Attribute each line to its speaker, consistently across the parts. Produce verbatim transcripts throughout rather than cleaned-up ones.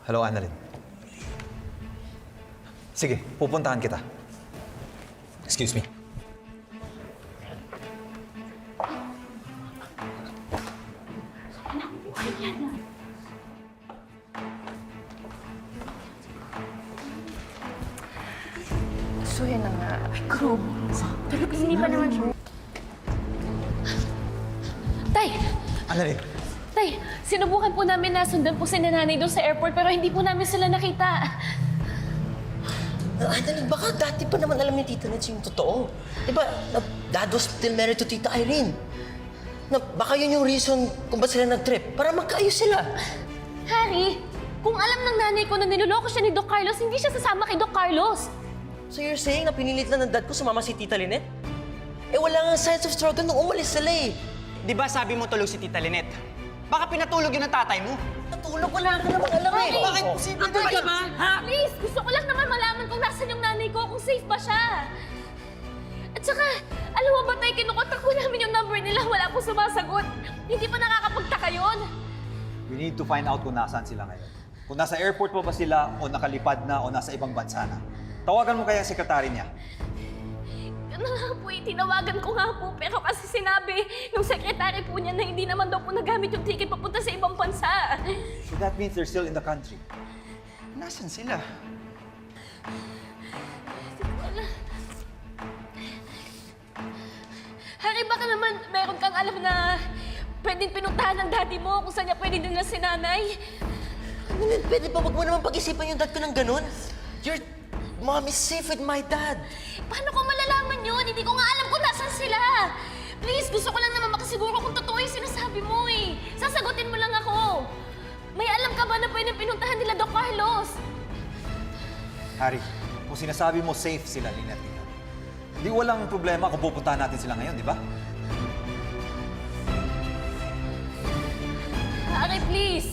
Speaker 1: Hello, Annalyn. Sige, pupuntahan kita. Excuse me.
Speaker 2: So yan na nga. Ay, Crow. Pero hindi pa naman siya. Tay!
Speaker 1: Annalyn.
Speaker 2: Tay, sinubukan po namin na sundan po si nanay doon sa airport pero hindi po namin sila nakita.
Speaker 3: Uh, Annalyn, baka dati pa naman alam ni Tita Nets yung totoo. Diba, na, Dad was still married to Tita Irene. Na, baka yun yung reason kung ba't sila nag-trip, para magkaayos sila.
Speaker 2: Harry, kung alam ng nanay ko na niloloko siya ni Doc Carlos, hindi siya sasama kay Doc Carlos.
Speaker 3: So you're saying na pinilit lang ng dad ko sumama si Tita Lynette? Eh wala nga sense of struggle nung umalis sila eh.
Speaker 4: Di ba sabi mo tulog si Tita Lynette? Baka pinatulog yun ng tatay mo.
Speaker 3: Natulog, wala ka namang alam eh.
Speaker 2: Bakit?
Speaker 3: Bakit posible
Speaker 2: Ano
Speaker 3: ba?
Speaker 2: ba? Ha? Please, gusto ko lang naman malaman kung nasan yung nanay ko, kung safe ba siya. At saka, alam mo ba tayo, kinukontak ko namin yung number nila, wala po sumasagot. Hindi pa nakakapagtaka yun.
Speaker 1: We need to find out kung nasaan sila ngayon. Kung nasa airport pa ba sila, o nakalipad na, o nasa ibang bansa na. Tawagan mo kaya ang sekretary niya.
Speaker 2: Yun na nga po eh, tinawagan ko nga po. Pero kasi sinabi nung sekretary po niya na hindi naman daw po nagamit yung ticket papunta sa ibang bansa.
Speaker 1: So that means they're still in the country.
Speaker 4: Nasaan sila?
Speaker 2: Harry, baka naman meron kang alam na pwedeng pinuntahan ng daddy mo kung saan niya pwede din na si nanay.
Speaker 3: Annalyn, pwede ba wag mo naman pag-isipan yung dad ko ng ganun? Your mom is safe with my dad.
Speaker 2: Paano ko malalaman yun? Hindi ko nga alam kung nasan sila. Please, gusto ko lang naman makasiguro kung totoo yung sinasabi mo eh. Sasagutin mo lang ako. May alam ka ba na pwedeng pinuntahan nila Doc Carlos?
Speaker 1: Harry, kung sinasabi mo safe sila, Lynette, hindi walang problema kung pupuntahan natin sila ngayon, di ba?
Speaker 2: Harry, please.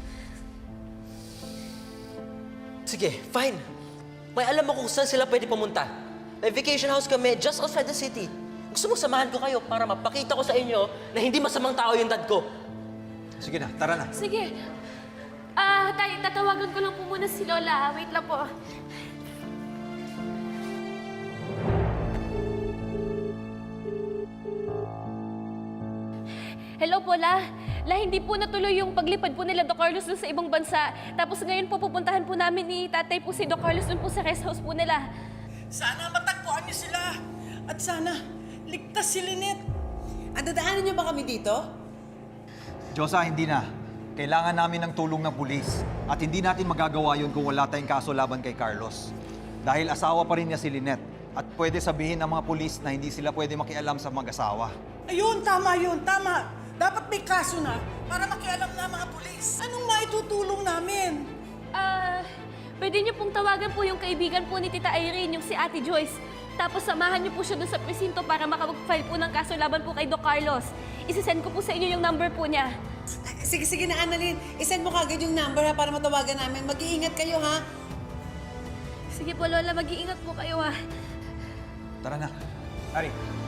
Speaker 3: Sige, fine. May alam ako kung saan sila pwede pumunta. May vacation house kami just outside the city. Gusto mo samahan ko kayo para mapakita ko sa inyo na hindi masamang tao yung dad ko.
Speaker 1: Sige na, tara na.
Speaker 2: Sige. Ah, tay, tatawagan ko lang po muna si Lola. Wait lang po. Hello po, La. La, hindi po natuloy yung paglipad po nila Doc Carlos dun sa ibang bansa. Tapos ngayon po pupuntahan po namin ni tatay po si Doc Carlos dun po sa rest house po nila.
Speaker 5: Sana matagpuan niyo sila. At sana, ligtas si Lynette. Ang dadaanan niyo ba kami dito?
Speaker 1: Diyosa, hindi na. Kailangan namin ng tulong ng pulis. At hindi natin magagawa yun kung wala tayong kaso laban kay Carlos. Dahil asawa pa rin niya si Lynette. At pwede sabihin ng mga pulis na hindi sila pwede makialam sa mag-asawa.
Speaker 5: Ayun, tama yun, tama. Dapat may kaso na para makialam na ang mga pulis. Anong maitutulong namin?
Speaker 2: Ah, pwede niyo pong tawagan po yung kaibigan po ni Tita Irene, yung si Ate Joyce. Tapos samahan niyo po siya dun sa presinto para makapag-file po ng kaso laban po kay Doc Carlos. Isisend ko po sa inyo yung number po niya.
Speaker 5: Sige, sige na, Annalyn. Isend mo kagad yung number ha para matawagan namin. Mag-iingat kayo ha.
Speaker 2: Sige po, Lola. Mag-iingat po kayo, ha.
Speaker 1: Tara na. Harry,